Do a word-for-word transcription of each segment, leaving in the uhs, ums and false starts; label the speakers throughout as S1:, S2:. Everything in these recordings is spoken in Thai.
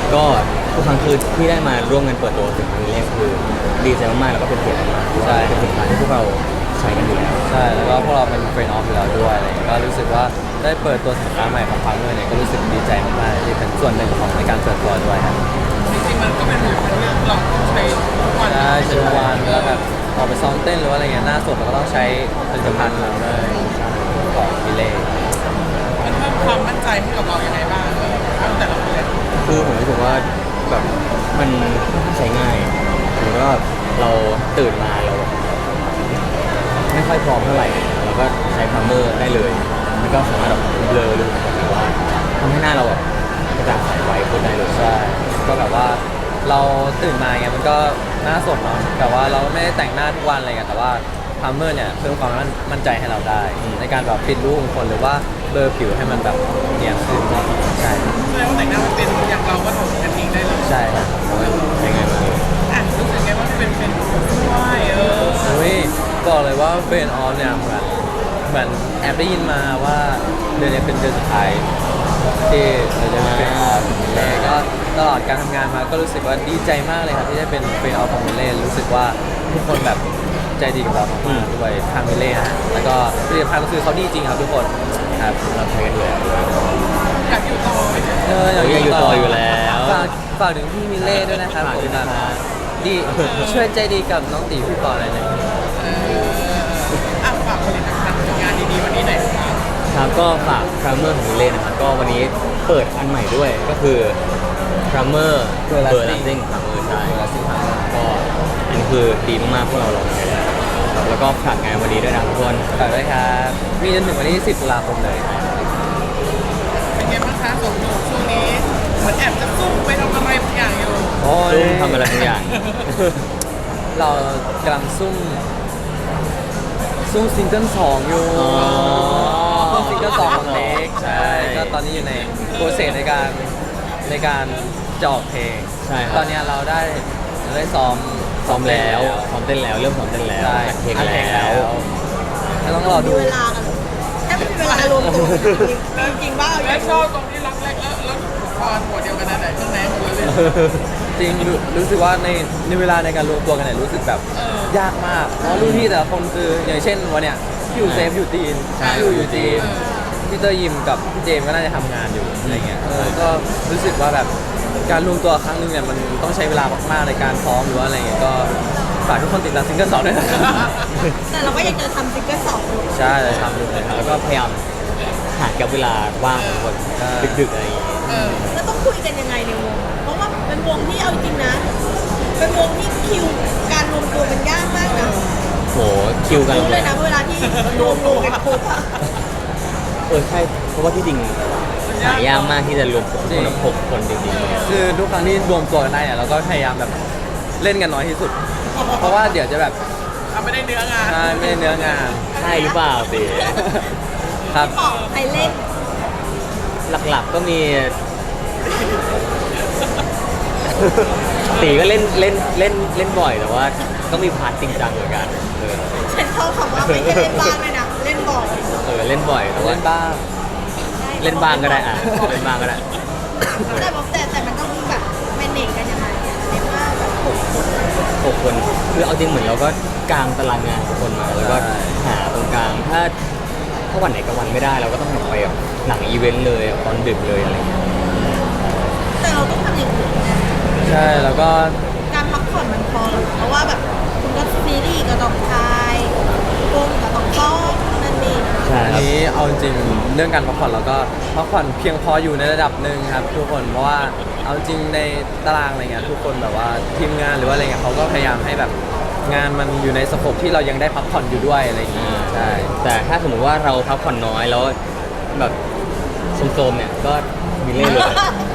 S1: ก็ทุกครั้งคือที่ได้มาร่วมงานเปิดตัวสินค้าแรกคือดีใจมากๆแล้วก็เป็นเกียรติมากๆใช่เป็นสินค้าที่พวกเราใช้กันอยู่แล้ว
S2: ใช่แล้วก็พวกเราเป็นเฟรนด์ออฟอยู่แล้วด้วยอะไรก็รู้สึกว่าได้เปิดตัวสินค้าใหม่ของพังเมอร์เนี่ยก็รู้สึกดีใจมากๆที่เป็นส่วนหนึ่งของในการเปิดตัวด้วยครับ
S3: จริงๆมันก็เป็นเหมือนเรื่องเราใช้ทุกวัน
S2: ใช่ใช้ทุกวันแล้วแบบออกไปซ้อมเต้นหรือว่าอะไรเงี้ยหน้าสดเราก็ต้องใช้ผลิตภัณฑ์ของเลยของมิเล่
S3: มันเพิ่มความมั่นใจให้กับเราอย่างไรบ้างเออตั้งแต่เราเรียน
S1: คือผมรู้สึกว่าแบบมันใช้ง่ายหรือว่าเราตื่นมาเราไม่ค่อยพร้อมเท่าไหร่เราก็ใช้พาร์เมอร์ได้เลยแล้วก็สามารถแบบเบลอหรือว่าทำให้หน้าเราแบบกระจ่างใสไว้ขึ้นได้เลย
S2: ใช่ก็แบบว่าเราตื่นมาเงี้ยมันก็หน้าสดเนาะแต่ว่าเราไม่ได้แต่งหน้าทุกวันอะไรเงี้ยแต่ว่าพาร์เมอร์เนี่ยเพิ่มความมั่นใจให้เราได้ในการแบบปิดรูขุมขนหรือว่าเบลอผิวให้มันแบบเนียนขึ้นใช่
S3: แสดงว่าแต่งหน้ามันเป็นอย่างเราก็ทำกันเองได้เลย
S2: ใช่ครับ
S1: ใช้ง่ายมาก
S3: อ่ะรู้สึกไงว่าเป็นเป็นด้วยเออ
S2: เฮ้ยบอกเลยว่าเฟรนออฟเนี่ยเหมือนเหมือนแอบได้ยินมาว่าเดือนนี้เป็นเดือนสุดท้ายที่เราจะเป็นเฟรนออฟแต่ก็ตลอดการทำงานมาก็รู้สึกว่าดีใจมากเลยครับที่ได้เป็นเฟรนออฟของมิเล่รู้สึกว่าทุกคนแบบใจดีกับเรามากๆด้วยทางมิเล่นะแล้วก็ผลิตภัณฑ์ก็คือเขาดีจริงครับทุกคนครับ
S1: เราใช้กันอยู่แล้ว
S3: อยากอยู่ต่อไหม
S2: เอออยาก
S1: อยู่ต่ออยู่แล้ว
S2: ฝากฝากถึงพี่มิเล่ด้วยนะครับผมนะดีช่วยใจดีกับน้องตีพี่ปอหน่อยนะ
S3: เอออ่ะฝากผลิตภัณฑ์งานดีๆวันนี้หน่อยครับ
S1: ครับก็ฝากพรามเมอร์ของเล่นนะครับก็วันนี้เปิดอันใหม่ด้วยก็คือพรามเมอร์เบอร์ลัสซิ่งพรามเมอร์ใช่ก็อันนี้คือดีมากๆพวกเราลองใช้แล้วแล้วก็ฝากงานวันนี้ด้วยนะทุกคน
S2: ฝากด้วยครับมีจนถึงวันที่สิบตุลาคมเลย
S3: เป็นไงบ้างคะสองหนุ่มช่วงนี้เหมือนแอบจะซุ่มไปทำอะไรบางอย่างอยู่
S2: โอ้ย
S1: ทำอะไรบางอย่าง
S2: เรากำลังซุ่มซุ่มซิงเกิลสองอยู่ซุ่มซิงเกิลสองของเน็กใช่ก็ตอนนี้อยู่ในโปรเซสในการในการจะออกเพลง
S1: ใช่
S2: ตอนนี้เราได้เราได้ซ้อม
S1: ซ้อมแล้วซ้อมเต้นแล้วเริ่มซ้อมเต้นแล้ว
S2: เพลง
S1: แล้ว
S2: ต้องรอดู
S4: เวลากันแค่ไม่มีเวลารวมตัวจริงๆบ้า
S3: แล้วชอบตรงที่รักแรกแล้วแล้วพรหัวเดียวกันนั่นแหละเครื่องแรงหมดเลย
S2: จริงรู้สึกว่าในในเวลาในการรวมตัวกันเนี่ยรู้สึกแบบยากมากเพราะรุ่นพี่แต่ละคนคืออย่างเช่นวันเนี้ยพี่อยู่เซฟอยู่จีนพี่อยู่อยู่จีนพี่เตอร์ยิมกับพี่เจมก็น่าจะทำงานอยู่อะไรเงี้ยเออก็รู้สึกว่าแบบการรวมตัวครั้งนึงเนี่ยมันต้องใช้เวลามากๆในการซ้อมหรือว่าอะไรเงี้ยก็ฝากทุกคนติดตามซิงเกิลสองด้วยนะ
S4: แต่เราก็ยังจะทำซิงเกิลสองอยู่
S2: ใช่เลยทำอยู่เลยครับ
S1: แล้วก็พยายามหากับเวลาว่างของคนดึกๆอะไรอย่างเงี้ย
S4: แล้วต้องคุยกันยังไงในวงเพราะว่าเป็นวงที่เอาจริงนะเป็นวงที่คิวการรวมตัวมันยากมากนะ
S1: โหคิวกัน
S4: รู้เลยนะเวลาที่รวมตัวกันปุ๊บอะ
S1: เออใช่เพราะว่าที่จริงหายากมากที่จะรวมคนแบบหกคนจริงๆ
S2: คือทุกครั้งที่รวมตัวกันได้เนี่ยเราก็พยายามแบบเล่นกันน้อยที่สุดเพราะว่าเดี๋ยวจะแบบ
S3: ไม่ได้เนื้องาน
S2: ใช่ไม่ได้เนื้องาน
S1: ใช่หรือเปล่าสิ
S2: ครับ
S4: ใครเล่น
S1: หลักๆก็มีตีก็เล่นเล่นเล่นเล่นบ่อยแต่ว่าก็มีพาร์ทจริงจังเหมือนกัน
S4: ฉันชอบคำว่าไม่ใช่เล่นบ้างเลยนะเล่นบ่อย
S1: เออเล่นบ่อยแต่ว่า
S2: เล่นบ้าง
S1: เล่นบ้างก็ได้อ่ะเล่นบ้างก็ได้
S4: แต่แต่แต่มันต้องแบบแมเนจกันยังไงเรียกว่าแบบหกคน
S1: หกคนคือเอาจริงเหมือนเราก็กางตารางงานทุกคนมาแล้วก็หาตรงกลางถ้าถ้าวันไหนกับวันไม่ได้เราก็ต้องไปแบบหนังอีเวนต์เลยตอนดึกเลยอะไรอย่างเงี้ย
S4: แต่เราต้องทำอย่างอื่นนะ
S2: ใช่แล้วก็
S4: การพักผ่อนมันพอหรอเพราะว่าแบบคุณก็ซีรีส์ก็ต้องทายวงก็ต้องซ้อมนั่นเอง
S2: อันนี้เอาจริงเรื่องการพักผ่อนเราก็พักผ่อนเพียงพออยู่ในระดับหนึ่งครับทุกคนเพราะว่าเอาจริงในตารางอะไรเงี้ยทุกคนแบบว่าทีมงานหรือว่าอะไรเงี้ยเขาก็พยายามให้แบบงานมันอยู่ในสโคปที่เรายังได้พักผ่อนอยู่ด้วยอะไรอย่างงี้ใช่
S1: แต่ถ้าสมมติว่าเราพักผ่อนน้อยแล้วแบบโซมๆเนี่ยก็มีเล่นเลย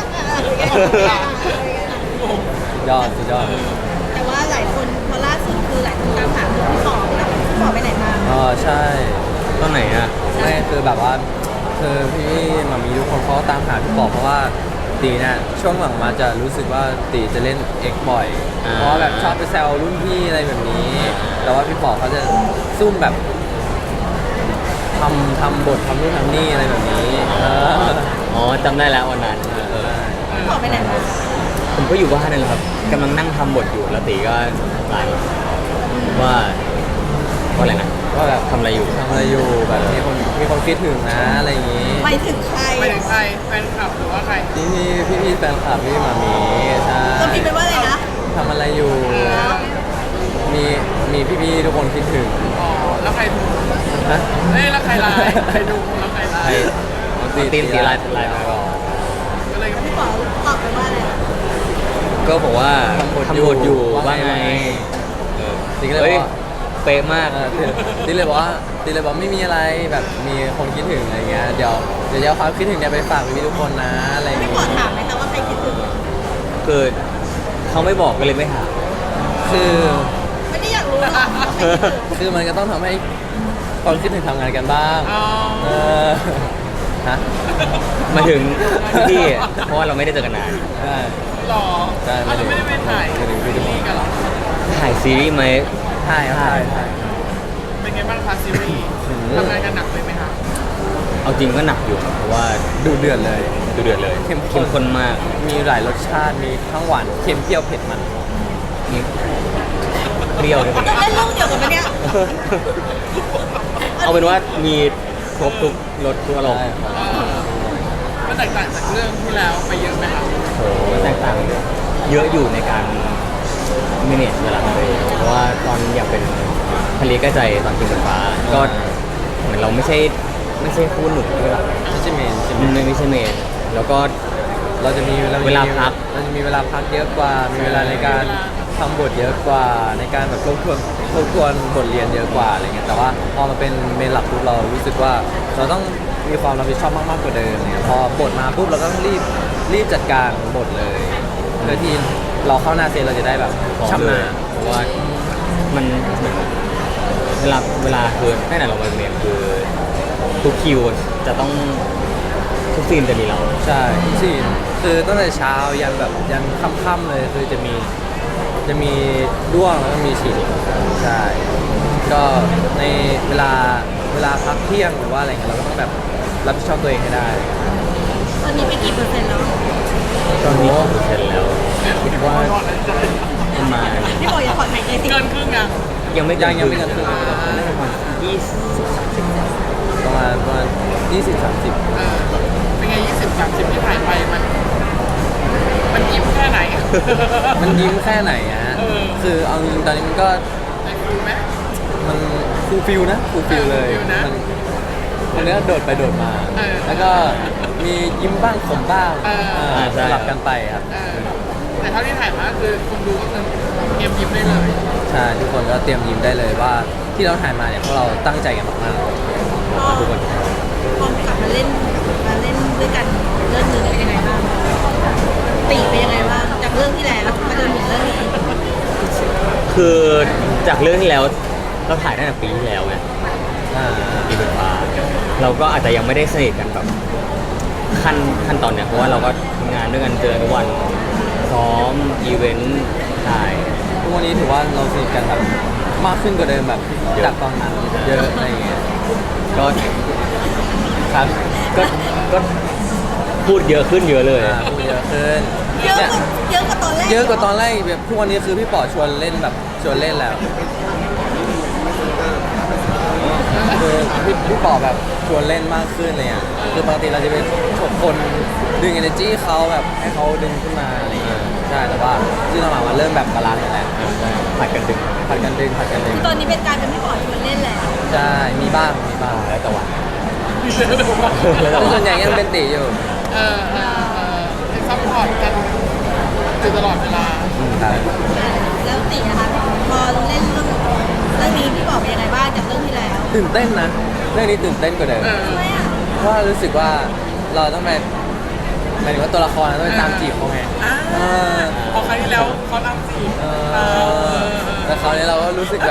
S2: ยอดสุดยอด
S4: แต่ว่าหลายคนพอล่าสุดคือหลายคนตามหาพี่ป๋อแล้วพี่ป๋อไปไหนมา
S2: อ๋อใช่
S1: ตอนไหนอ่ะ
S2: ไม่คือแบบว่าคือพี่มามีทุกคนเขาตามหาพี่ป๋อเพราะว่าตีเนี่ยช่วงหลังมาจะรู้สึกว่าตีจะเล่นเอ็กบ่อยเพราะแบบชอบไปแซวรุ่นพี่อะไรแบบนี้แต่ว่าพี่ป๋อเขาจะซุ่มแบบทำทำบททำนู่นทำนี่อะไรแบบนี้
S1: อ๋อจำได้แล้ววันนั้น
S4: พี่ป๋อไปไหนมา
S1: ผมก็อยู่บ้านนั่นแหละครับกำลังนั่งทำบทอยู่แล้วตีก็ไลน์มาว่าว่าอะไรนะ
S2: ว่าแบบ
S1: ทำอะไรอยู่
S2: ทำอะไรอยู่แบบมีคนมีคนคิดถึงนะอะไรอย่างงี้
S4: ไปถึงใคร
S3: ไปถึงใครแฟนคลับหรือว่าใคร
S2: พี่พี่พี่พี่แฟนคลับพี่มามีใช่
S4: ก็พิมพ์ไปว่าอะไรนะ
S2: ทำอะไรอยู่ มีมีพี่พี่ทุกคนคิดถึง
S3: อ๋อแล้วใครดู
S2: นะ
S3: เอ้ยแล้วใครไลน์ใครดูแล้วใครไล
S1: ใคร
S3: น์
S1: ตีตีนตีไลน์ไลน์มาก่อน
S3: ก็เลย
S4: พี่ป๋อตอบไปว่าอะไรนะ
S1: ก็บอกว่าทำบทอยู่ว่าไงเออ
S2: ตีก็เลย
S1: เฮ้
S2: บ
S1: ย
S2: อกว่า
S1: เป๊ะมาก
S2: เออตีเลยบอกว่าตีเลยบอกไม่มีอะไรแบบมีคนคิดถึงอะไรเงี้ยเดี๋ยวเดี๋ยวจะเอาความคิดถึงเนี่ยไปฝากพี่ๆทุกคนนะอะไรอย่าง
S4: พี่
S2: เงี้
S4: ป๋อย ถามไหมคะว่าใครคิดถึง
S1: คือเขาไม่บอกก็เลยไม่ถาม
S2: คือ
S4: ไม่ได้อยากรู้หรอกว่าใครคิดถึง
S2: คือมันก็ต้องทำให้คนคิดถึงทำงานกันบ้าง
S3: อ๋อ
S2: เออฮะ
S1: มาถึงพี่เพราะว่าเราไม่ได้เจอกันนาน
S2: ใช่
S3: หรอ
S2: ใช่
S3: อ้าวเราไม่ได้ไปถ่าย
S2: ไม่ได้ไม่ได้
S3: ซีรีส์กันเหรอ
S1: ถ่ายซีรีส์ไหม
S2: ใช่ครับใช่ใช่
S3: เป็นไงบ้างคะซีรีส์
S2: อืม
S3: ทำงานกันหนักเลยไหมคะ
S1: เอาจริงก็หนักอยู่ครับเพราะว่า
S2: ดูเดือดเลย
S1: ดูเดือดเลย
S2: เข้มข้น
S1: ข้นมาก
S2: มีหลายรสชาติมีทั้งหวานเค็มเปรี้ยวเผ็ดมัน
S1: มีเปรี้ยวด้วย
S4: จะเล่นเรื่องเดียวกันไหมเนี่ย
S1: เอาเป็นว่ามีครบทุกรสทุกอารมณ์
S2: ใช่ครับ
S3: เออมันแตกต่างจากเรื่องที่แล้วไปเยอะไหมคะ
S1: โอ้โหแตกต่างเยอะอยู่ในการ manage เวลาของตัวเองเพราะว่าตอนอยากเป็นทะเลใกล้ใจตอนกินบนฟ้า ก็เหมือนเราไม่ใช่ไม่ใช่คู่หนุ่มด้วยหรอก
S2: ไม่ใช่เมนใช่ไหม
S1: ไม่ไม่ใช่เมนแล้วก็
S2: เราจะมี
S1: เวลาพัก
S2: เราจะมีเวลาพักเยอะกว่า มีเวลาในการทำบทเยอะกว่า ในการแบบทบทวนทบทวนบทเรียนเยอะกว่าอะไรเงี้ยแต่ว่าพอมาเป็นเมนหลักปุ๊บเรารู้สึกว่าเราต้องมีความรับผิดชอบมากๆกว่าเดิมเนี่ยพอบทมาปุ๊บเราก็ต้องรีบรีบจัดการบทเลยเพื่อที่เราเข้าหน้าเซนเราจะได้แบบชำนาญ
S1: เพราะว่ามันเหมือนเวลาเวลาคือตั้งแต่เรามาเรียนคือทุกคิวจะต้องทุกซีนจะมีเรา
S2: ใช่ทุกซีนคือตั้งแต่เช้ายันแบบยันค่ำๆเลยคือจะมีจะมีด้วงแล้วก็มีฉีดใช่ก็ในเวลาเวลาพักเที่ยงหรือว่าอะไรเงี้ยเราก็ต้องแบบรับผิดชอบตัวเองให้ได้
S4: ตอนนี้ไปกี่เปอร์เซ็นต์แล้ว
S1: ตอนนี้เปอร์เซ็นต์แล้วคิดว่าประมาณ
S4: พี่ป๋ออย่าถอดหายใจสิ
S3: เกินครึ่งยัง
S1: ยังไม่
S2: ยังยังไม่กันครึ่ง
S1: น่าจะประมาณยี่สิบสามสิบ
S2: ประมาณประมาณยี่สิบสามสิบ
S3: เออเป็นไงยี่สิบสามสิบที่ถ่ายไปมัน มันยิ้มแค่ไหน
S2: มันยิ้มแค่ไหนอะฮะ
S3: เออ
S2: คือเอาจริงๆตอนนี้มันก็
S3: ได้ฟิลไหม
S2: มันฟูลฟิลนะฟูลฟิลเลย
S3: ฟูลฟิลนะ
S2: มันมันเนี้ยโดดไปโดดมา
S3: เออ
S2: แล้วก็มียิ้มบ้างขมบ้าง
S3: เออ
S2: เออสลับกันไปครับ
S3: เออแต่เท่าที่ถ่ายมาคือคนดูก็คือเตรียมยิ้มได้เลย
S2: ใช่ทุกคนก็เตรียมยิ้มได้เลยว่าที่เราถ่ายมาเนี่ยพวกเราตั้งใจกันมาก
S4: พอ
S1: ทุกคน
S4: พอกลับมาเล่นมาเล่นด้วยกันเรื่องนึงเป็นยังไงบ้างตีเป็นยังไงบ้างจากเรื่องที่แล้วมาจนถึงเรื่องนี้
S1: คือจากเรื่องที่แล้วเราถ่ายตั้งแต่ปีที่แล้วไง
S2: ๆอ่า
S1: ปีเป็นฟ้าเราก็อาจจะยังไม่ได้สนิทกันแบบขั้นขั้นตอนเนี้ยเพราะว่าเราก็ทำงานด้วยกันเจอทุกวันซ้อมอีเวนต์ถ่าย
S2: ทุกวันนี้ถือว่าเราสนิทกันแบบมากขึ้นกว่าเดิมแบบ
S1: เยอะ
S2: จากตอนนั้นเยอะอะไรอย่างเงี้ย
S1: ก็
S2: ครับ
S1: ก็ก็พูดเยอะขึ้นเยอะเลย
S2: อ่าพูดเยอะขึ้น
S4: เยอะ
S2: เนี่ย
S4: กว่าเยอะกว่าตอนแรก
S2: เยอะกว่าตอนแรกแบบทุกวันนี้คือพี่ป๋อชวนเล่นแบบชวนเล่นแล้วคือพี่พี่ป๋อแบบชวนเล่นมากขึ้นเลยอ่ะคือปกติเราจะเป็นคนดึง energy เขาแบบให้เขาดึงขึ้นมาอะไรอย่างเงี้ยใช่แต่ว่าที่เราหลังๆมาเริ่มแบบบาลานซ์กันแล้ว
S1: ผัดกันดึง
S2: ผัดกันดึงผัดกันดึง
S4: คือตอนนี้เป็นการเป็นพี่ป๋อชวนเล่นแล้ว
S2: ใช่มีบ้างมีบ้าง
S1: แล้วแต่วัน
S3: เออ
S1: แล้วแต่
S2: แต่
S1: วั
S2: ส่วนใหญ่ยังเป็นตีอยู่
S3: เออเออเออซัพพอร์ตกันอยู่ตลอดเวลา
S2: ครับ
S4: แล้วตีนะคะพอเล่นเรื่องเรื่องนี้พี่ป๋อเป็นยังไงบ้างจากเรื่องที่แล้ว
S2: ตื่นเต้นนะเรื่องนี้ตื่นเต้นกว่าเดิม
S3: เออ
S4: ทำไมอ่ะ
S2: เพราะว่ารู้สึกว่าเราต้องไปหมายถึงว่าตัวละครเราต้องไปตามจีบเขาไง
S3: อ่า
S2: เออ
S3: พอครั้งที่แล้วเขานำจีบ
S2: เอ
S3: เอ
S2: อ
S3: อ
S2: แต่คราวนี้เราก็รู้สึกแบบ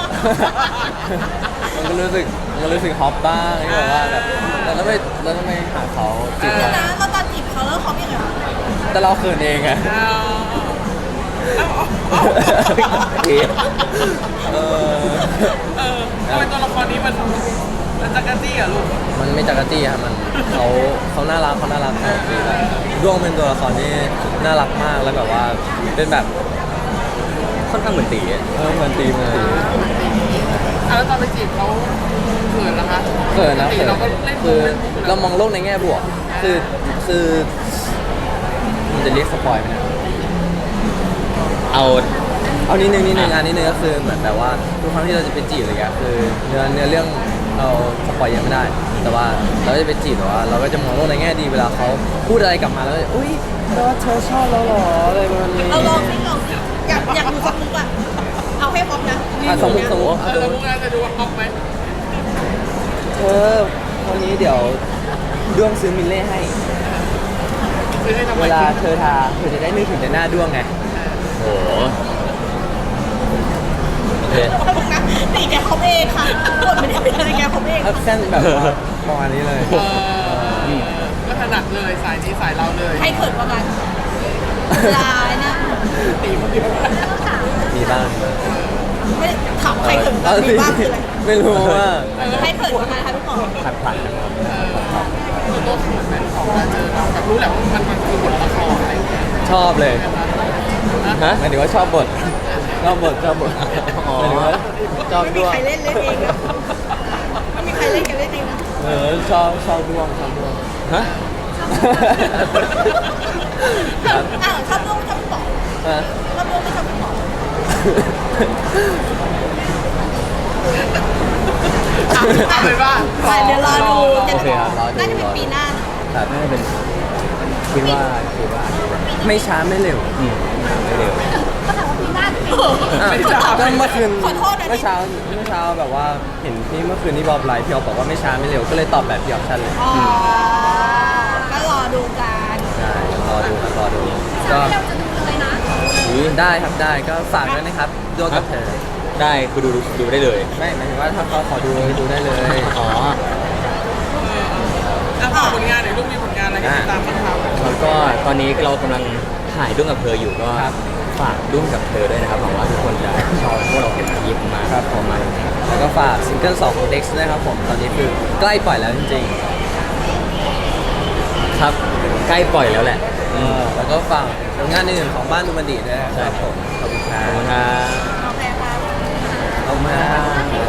S2: มันก็รู้สึกมันรู้สึกฮอปบ้างที่แบบว่าแบบเราต้องไปเราต้องไปหาเขาจีบ
S4: เดี๋ย
S2: เขา
S4: วนะเราตอนจีบเขาแล้วเขาเป็นยังไงวะ
S2: แต่เราเขินเองไง
S3: เอาเอาเอา
S2: เออ
S3: เออทำไมตัวละครนี้มันแล้วจักรจี้อ่ะลูก
S2: มันไม่จักรจี้ครับมันเขาเขาน่ารักเขาน่ารักเขาดีแล้วด้วงเป็นตัวละครที่น่ารักมากแล้วแบบว่าเป็นแบบ
S1: ค่อนข้างเหมือนตีอะ
S2: เออเหมือนตีเหมือนตี
S3: อ่ะแล้วตอนไปจีบเขาเขินนะคะ
S2: เกิดนะ
S3: ปกติ
S2: เกิด
S3: เราก็เล่นมุ
S2: คื
S3: ก
S2: อ
S3: เล่นมุกอยู่
S2: เรา
S3: แล้ว
S2: มองโลกในแง่บวก คือคือมันจะเรียกสปอยล์ไหมเนะ
S1: เอา
S2: เอานิดนึงนิดนึงอันนิดนึงก็คือเหมือนแบบว่าทุกครั้งที่เราจะไปจีบอะไรเงี้ยคือเนื้อเนื้อเรื่องเราสปอยเยอะไม่ได้ แต่ว่าเราจะไปจีบแต่ว่าเราก็จะมองโลกในแง่ดีเวลาเขาพูดอะไรกลับมาแล้วก็อุ้ยแปลว่าเธอชอบเราเหรออะไรประมาณนี้
S4: เราลองสิลองสิอยากอยากดูสักมุกอ่ะเอาให้พร้อมนะ
S2: อ่ะสมมติสมมติ
S3: เอ
S2: อ่ะ
S3: อ
S2: สม
S3: แล้ว
S2: ม
S3: มุ
S2: ติ
S3: กน่าจะดูว่าก๊อกไหม
S2: เธอวันนี้เดี๋ยวด้วงซื้อมิลเล่ให้
S3: คือให้ทำไม
S2: เวลาเธอทาเธอจะได้นึกถึงแต่หน้าด้วงไง
S1: โอ้โหโอเค
S4: นะตีแกเขาเองค่ะกดไม่ได้เป็นอะไรแกเขาเอง
S2: แอคเซนแบบว่าประมาณนี้เลย
S3: เออก็ถนัดเลยสายนี้สายเราเลย
S4: ใครเขินกว่ากันลายนะ
S3: ตีมันดีมาก
S2: มีบ้าง
S4: ไม่ถามใครเขินกว่า
S2: เอา
S4: กัน
S2: สิ
S4: มีบ้างคืออะไร
S2: ไม่รู้ว่า
S4: ใครเขินกว่ากันคะพี่หมอ
S1: ผัดผัดนะครับ
S3: คือตัวเขินแม่ของการเจอเราแบบรู้แหละว่ามันมันคือบทละครอะไรอย่างเงี้ย
S2: ชอบเลย
S1: ฮะ
S2: หมายถึงว่าชอบบทชอบบทชอบบท
S1: อ๋อ
S2: หมายถึงว่าชอบ
S4: ไม่มี
S2: ด้วง
S4: ใครเล่นเล่นเองนะไม่มีใครเล่นกันเล่นเองนะ
S2: เออชอบชอบด้วงชอบด้วง
S1: ฮะ
S2: ครับ
S4: อ้าวชอบลูกชอบพี่หมอ
S2: อ่ะ
S4: ชอบลูกไม่ชอบพี่หมอ
S3: เอาเลยว่า
S4: อ่ะเดี๋ยวรอดูจะ
S2: โอเคครับรอดู
S4: น่าจะเป็นปีหน้านะ
S2: ครับ
S1: น่าจะเป็นคิดว่าคิดว่า
S2: ไม่ช้าไม่เร็ว
S1: อืมไม่เร็ว
S4: ก็ถามว่าปีหน้าจะเป็น
S2: อ่ะก็เมื่อคืน
S4: ขอโทษนะ
S2: เมื่อเช้าเมื่อเช้าแบบว่าเห็นพี่เมื่อคืนที่บอบไลฟ์พี่ออฟบอกว่าไม่ช้าไม่เร็วก็เลยตอบแบบพี่ออฟชั่นเลย
S4: อ๋อก็รอดูกัน
S2: ใช่รอดูครับรอดูก็
S4: เราจะดูเลยนะ
S1: อุ๊ย
S2: ได้ครับได้ก็ฝากด้วยนะครับด้วงกับเธอ
S1: ได้คือดูดูดูได้เลย
S2: ไม่หมายถึงว่าถ้าเขาขอดูดูได้เลย
S1: อ๋อ
S3: อ่ะฝากผลงานหน่อยลูกมีผลงานอะไรให้ติดตามบ้างครับ
S1: แล้วก็ตอนนี้เรากำลังถ่ายด้วงกับเธออยู่ก็ฝากด้วงกับเธอด้วยนะครับหวังว่าทุกคนจะชอบพวกเราเห็นยิ้มมาครับพอมา
S2: แล้วก็ฝากซิงเกิลสองของ Dex ด้วยครับผมตอนนี้คือใกล้ปล่อยแล้วจริง
S1: ครับใกล้ปล่อยแล้วแหละ
S2: ๆเออแล้วก็ฝากผลงานอื่นๆของบ้านดูมันดีด้วยนะครับผมขอบคุณค
S1: ข
S2: รั
S1: อบบ คุณครับ
S4: โอเคค่ะ
S2: ขอบคุณครับ